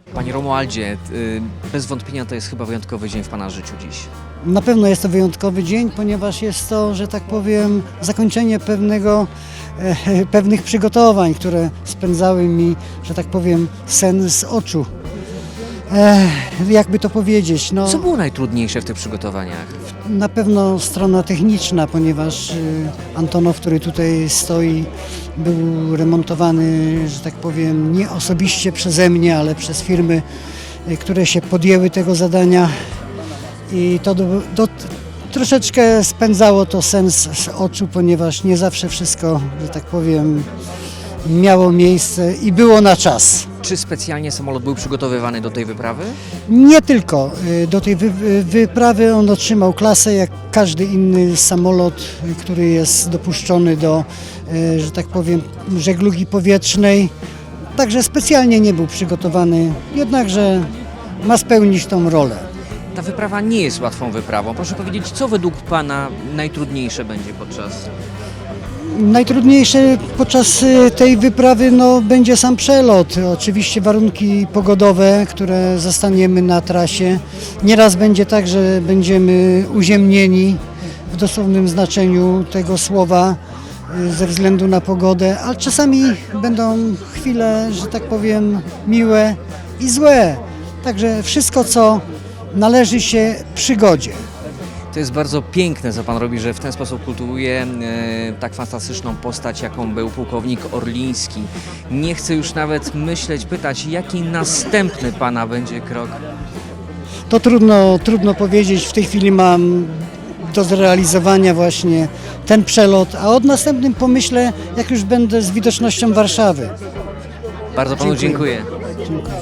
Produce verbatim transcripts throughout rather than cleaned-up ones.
Panie Romualdzie, y, bez wątpienia to jest chyba wyjątkowy dzień w Pana życiu dziś. Na pewno jest to wyjątkowy dzień, ponieważ jest to, że tak powiem, zakończenie pewnego, e, pewnych przygotowań, które spędzały mi, że tak powiem, sen z oczu. E, jakby to powiedzieć, no, Co było najtrudniejsze w tych przygotowaniach? na pewno strona techniczna, ponieważ e, Antonow, który tutaj stoi, był remontowany, że tak powiem, nie osobiście przeze mnie, ale przez firmy, e, które się podjęły tego zadania. I to do, do, troszeczkę spędzało to sens z oczu, ponieważ nie zawsze wszystko, że tak powiem, miało miejsce i było na czas. Czy specjalnie samolot był przygotowywany do tej wyprawy? Nie tylko y, do tej wy, wy- wyprawy on otrzymał klasę jak każdy inny samolot, y, który jest dopuszczony do, y, że tak powiem, żeglugi powietrznej. Także specjalnie nie był przygotowany, jednakże ma spełnić tą rolę. Ta wyprawa nie jest łatwą wyprawą. Proszę powiedzieć, co według Pana najtrudniejsze będzie podczas... Najtrudniejsze podczas y, tej wyprawy no, będzie sam przelot. Oczywiście warunki pogodowe, które zastaniemy na trasie. Nieraz będzie tak, że będziemy uziemnieni w dosłownym znaczeniu tego słowa y, ze względu na pogodę, ale czasami będą chwile, że tak powiem, miłe i złe. Także wszystko, co należy się przygodzie. To jest bardzo piękne, co Pan robi, że w ten sposób kultywuje e, tak fantastyczną postać, jaką był pułkownik Orliński. Nie chcę już nawet myśleć, pytać, jaki następny Pana będzie krok. To trudno, trudno powiedzieć. W tej chwili mam do zrealizowania właśnie ten przelot, a od następnym pomyślę, jak już będę z widocznością Warszawy. Bardzo Panu Dziękuję. dziękuję. Dziękuję.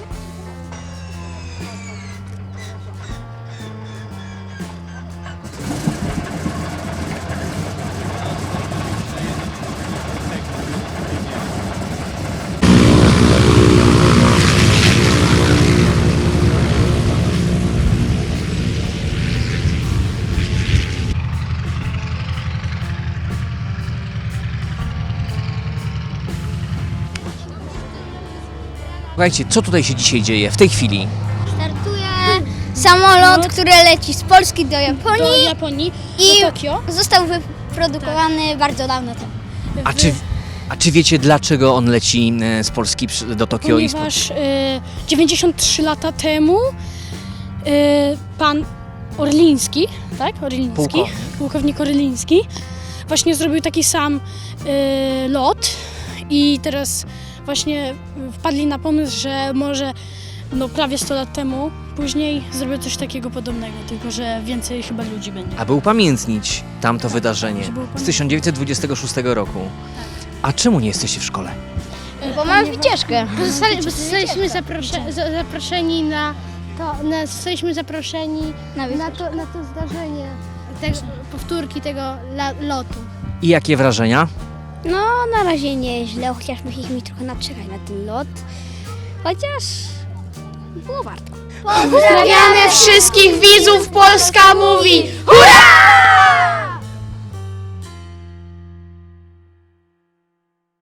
Słuchajcie, co tutaj się dzisiaj dzieje w tej chwili? Startuje samolot, który leci z Polski do do Japonii Japonii, i do Tokio. został wyprodukowany bardzo dawno temu. A czy, a czy wiecie, dlaczego on leci e, z Polski przy- do Tokio? i z- Ponieważ y, dziewięćdziesiąt trzy lata temu y, pan Orliński, tak? Orliński, Pułkownik. pułkownik Orliński, właśnie zrobił taki sam y, lot i teraz właśnie wpadli na pomysł, że może no, prawie sto lat temu później zrobił coś takiego podobnego, tylko że więcej chyba ludzi będzie. Aby upamiętnić tamto wydarzenie żeby z upamiętnić. tysiąc dziewięćset dwudziestego szóstego roku. A czemu nie jesteście w szkole? Bo mam wycieczkę. Zostali, zostaliśmy zaprosze, za- zaproszeni na to, na, zostaliśmy zaproszeni Na na to, na to zdarzenie, te, powtórki tego la, lotu. I jakie wrażenia? No, na razie nieźle, chociaż musieliśmy trochę naczekać na ten lot. Chociaż było warto. Pozdrawiamy wszystkich widzów Polska Mówi! Hurra!